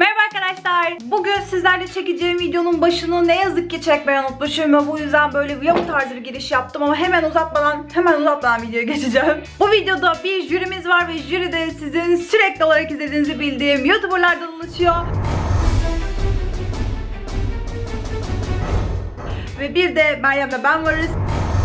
Merhaba arkadaşlar. Bugün sizlerle çekeceğim videonun başını ne yazık ki çekmeyi unutmuşum ve bu yüzden böyle vlog tarzı bir giriş yaptım ama hemen uzatmadan videoya geçeceğim. Bu videoda bir jürimiz var ve jüri de sizin sürekli olarak izlediğinizi bildiğim YouTuber'lardan oluşuyor. Ve bir de Meryem ve ben varız.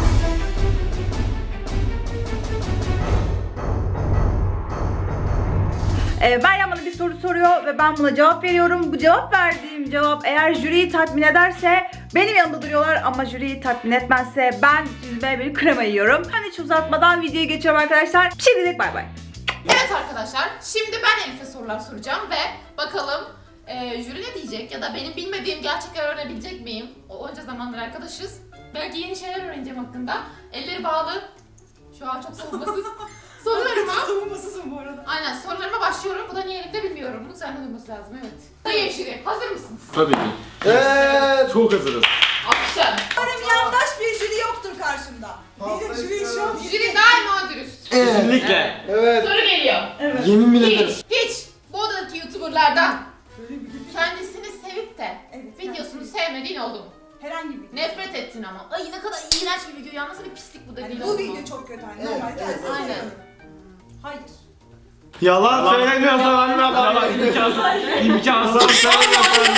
Meryem bana bir soru soruyor ve ben buna cevap veriyorum. Bu verdiğim cevap eğer jüriyi tatmin ederse benim yanımda duruyorlar ama jüriyi tatmin etmezse ben süzme bir krema yiyorum. Ben hiç uzatmadan videoya geçiyorum arkadaşlar. Şimdilik bay bay. Evet arkadaşlar, şimdi ben Elif'e sorular soracağım ve bakalım jüri ne diyecek ya da benim bilmediğim gerçekleri öğrenebilecek miyim? Onca zamandır arkadaşız. Belki yeni şeyler öğreneceğim hakkında. Elleri bağlı. Şu an çok savunmasız. Sorularıma... Savunmasızım bu arada. Aynen, sorularıma başlıyorum. Bu da niye Elif'te bilmiyorum. Bu senden duyması lazım, evet. Sayın jüri, hazır mısınız? Tabii ki. Evet. Çok hazırız. Akşam. Umarım yandaş bir jüri yoktur karşımda. Benim jüri şu an... Jüri daima dürüst. Kesinlikle. Evet. Soru geliyor. Evet. Yemin bile ederim. Hiç bu odadaki YouTuber'lardan kendisini sevip de Evet, videosunu sevmediğin oldu mu? Herhangi bir video. Nefret ettin ama. Ay ne kadar iğrenç bir video ya. Nasıl bir pislik bu dediğin Yani oldu bu mu? video çok kötü anne. Evet, Normal evet, kendisi aynen. seviyorum. Hayır. Yalan söylemiyorsan anne İmkansız söylemiyorsan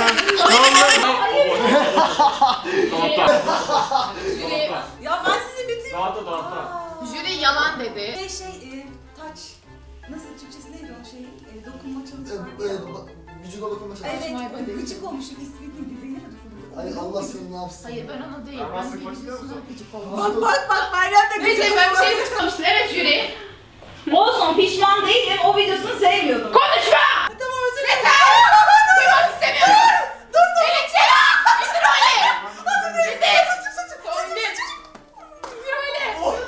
Jüri, Ya ben sizi bütün... jüri yalan dedi. Taç. Nasıl Türkçesi neydi o şey? Dokunma çalışma. Vücuda dokunma çalışma. Evet, gıcık olmuşum. İsmi neydi? Benim de dokunma. Ay Allah seni ne yapsın? Hayır ben ona değil. Ben videosuna gıcık oldum. Bak Meryem de Neyse gıcık ben bir oldu. şey düşünmüştüm. Evet jüri. Olsun pişman değilim. O videosunu sevmiyordum. Konuşma! Tamam özür dilerim. Yeter! Duymak istemiyorum! Dur! Elifçe! İndir öyle! İndir! İndir! İndir öyle!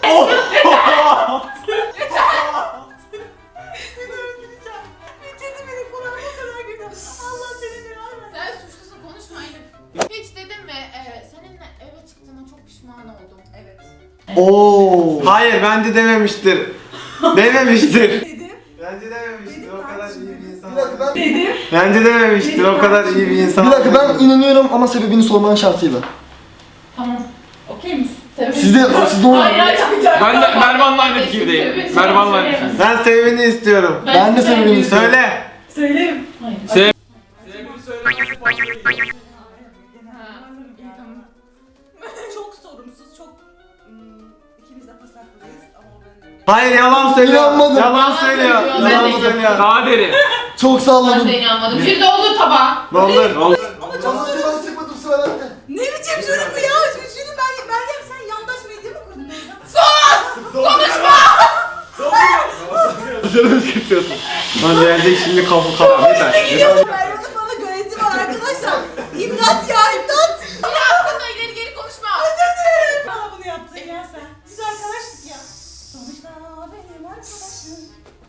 Seni öldüreceğim. Bitirdi beni falan bu kadar güzel. Allah seni belanı versin. Sen suçlusun konuşma Elif. Hiç dedim mi seninle eve çıktığına çok pişman oldum. Evet. Oo. Hayır bence dememiştir. Dememiştir. Dedim. Bence dememiştir. O kadar iyi bir insan. Bir dakika ben... Bence dememiştir. O kadar iyi bir insan. Bir dakika ben inanıyorum ama sebebini sorman şartıyla. Tamam. Okey misin? Siz de onu... Ben de Mervan'la aynı fikirdeyim. Mervan'la aynı fikirdeyim. Ben sevmeni istiyorum. Ben de sebebini istiyorum. Söyle. Söyleyeyim. Sev. Çok sorumsuz, çok ikimiz de pasaklıyız ama o benim. Hayır yalan söylüyor. İnanmadım. Yalan söylüyor. Ben de Yalan söylüyor. Daha derin. Çok Ben salladım. de inanmadım. Jüri doldur tabağı. Doldur. Ama çok Ama ben sıkmadım sıra bende. Ne biçim jüri bu ya? Jüri Meryem sen yandaş medya mı kurdun? Canını sıkıyorsun. Lan gelecek şimdi kafa karar. Yeter. Gidiyorum Meryem'in bana göresi var arkadaşlar. İmdat ya imdat. Jüri hakkında ileri geri konuşma. Özür dilerim. Bana bunu yaptın ya sen. Biz arkadaştık ya. Sonuçta benim arkadaşım.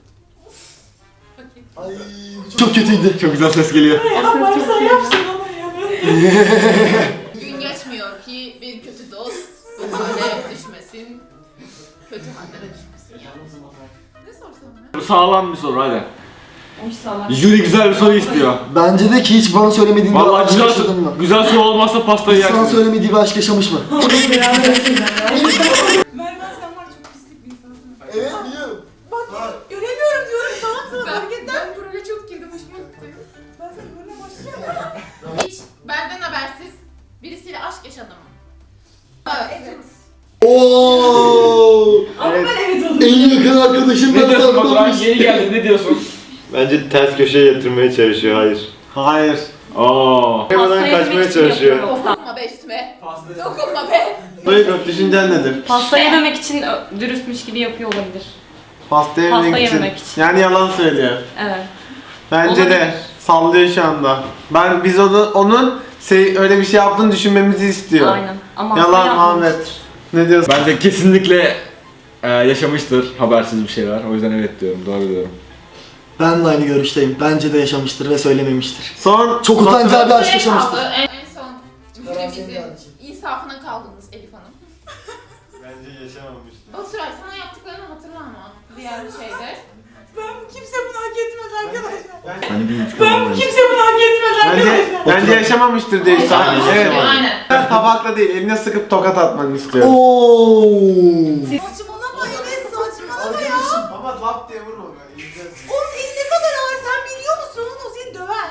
Ay bu çok kötüydü. Çok güzel ses geliyor. Yaparsan yapsın ama ya. Gün geçmiyor ki bir kötü dost bu hale düşmesin. Kötü hallere düşmesin ya. Ne sorsam ya? Bu sağlam bir soru hadi. Jüri güzel bir soru istiyor. Bence de ki hiç bana söylemediğin bir Vallahi aşk yaşadın mı? güzel soru olmazsa pastayı Hiç sana yersin. söylemediği bir aşk yaşamış mı? Mervan sen var çok pislik bir insansın. Evet biliyorum. Bak göremiyorum diyorum sana hareketten. Ben buraya çok girdim hoşuma gitti. Ben seni görmeye başlayacağım. Hiç benden habersiz birisiyle aşk yaşadım mı? Evet. Oo. Ama ben evet oldum. En yakın arkadaşım Ne ben diyorsun sandım. Baturan? Yeni geldin ne diyorsun? Bence ters köşeye yatırmaya çalışıyor, hayır. Hayır. Aa. Hemen kaçmaya çalışıyor. Dokunma be üstüme. Dokunma be. Duygu düşüncen nedir? Pasta yememek için dürüstmüş gibi yapıyor olabilir. Pasta yemek için. yememek için. Yani yalan söylüyor. Evet. Bence de sallıyor şu anda. Biz onun öyle bir şey yaptığını düşünmemizi istiyor. Aynen. Ama Yalan hasta Ahmet. yapmamıştır. Ne diyorsun? Bence kesinlikle yaşamıştır habersiz bir şeyler. O yüzden evet diyorum. Doğru diyorum. Ben de aynı görüşteyim. Bence de yaşamıştır ve söylememiştir. Son Çok utanacağı bir aşk Şey yaşamıştır. kaldı, en son jürimizin insafına kaldınız Elif Hanım. Bence yaşamamıştır. Baturay sana yaptıklarını hatırla ama diğer şeyde. Kimse bunu hak etmez arkadaşlar. Hani bir intikam Kimse bunu hak Bence yaşamamıştır diye işte. Evet. Aynen. Tabakla değil, eline sıkıp tokat atmanı istiyorum. Oo. Saçmalama Enes, saçmalama ya. Ama lap diye vurma böyle. O senin ne kadar ağır sen biliyor musun? O seni döver.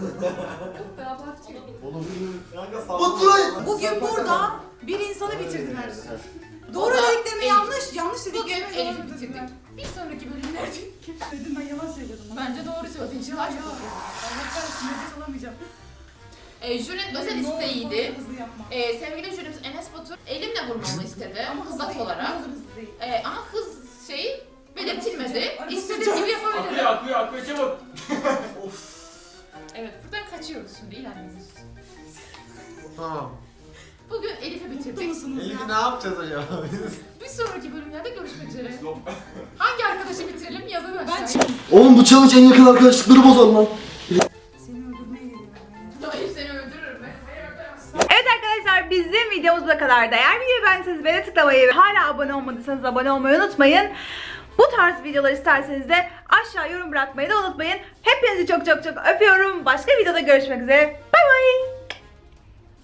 Bugün burada bir insanı bitirdiler. Doğru O da dediklerimi Elif. yanlış Bugün dediklerimi Elif'i doğru bitirdik. dediler. Bir sonraki bölümlerde Dedim ben yalan söylüyordum. bence doğru söyledin. Şimdi aşk olsun. Allah kahretsin nefes alamayacağım. Jürinin özel Ne olur, isteğiydi. ne olur hızlı yapma. Sevgili jürimiz Enes Batur elimle vurmamı istedi. Ama hızlı Hızat değil, olarak. ne olur hızlı değil. Ama hız şeyi belirtilmedi. Arabası İstediğim çok- gibi yapabilirim. akıyor çabuk. Evet, buradan kaçıyoruz şimdi ilerliyoruz. Tamam. Bugün Elif'i Mutlu bitirdik. musunuz Elif'i ya? ne yapacağız acaba biz? Bir sonraki bölümlerde görüşmek üzere. Hangi arkadaşı bitirelim yazın Ben aşağıya. çıktım. Oğlum bu challenge en yakın arkadaşlıkları bozar lan. Seni öldürmeye geliyorum. Hayır seni öldürürüm ben. Hayır öldüremezsin. Evet arkadaşlar bizim videomuz bu kadar. Eğer videoyu beğendiyseniz beğene tıklamayı ve hala abone olmadıysanız abone olmayı unutmayın. Bu tarz videolar isterseniz de aşağı yorum bırakmayı da unutmayın. Hepinizi çok çok çok öpüyorum. Başka videoda görüşmek üzere.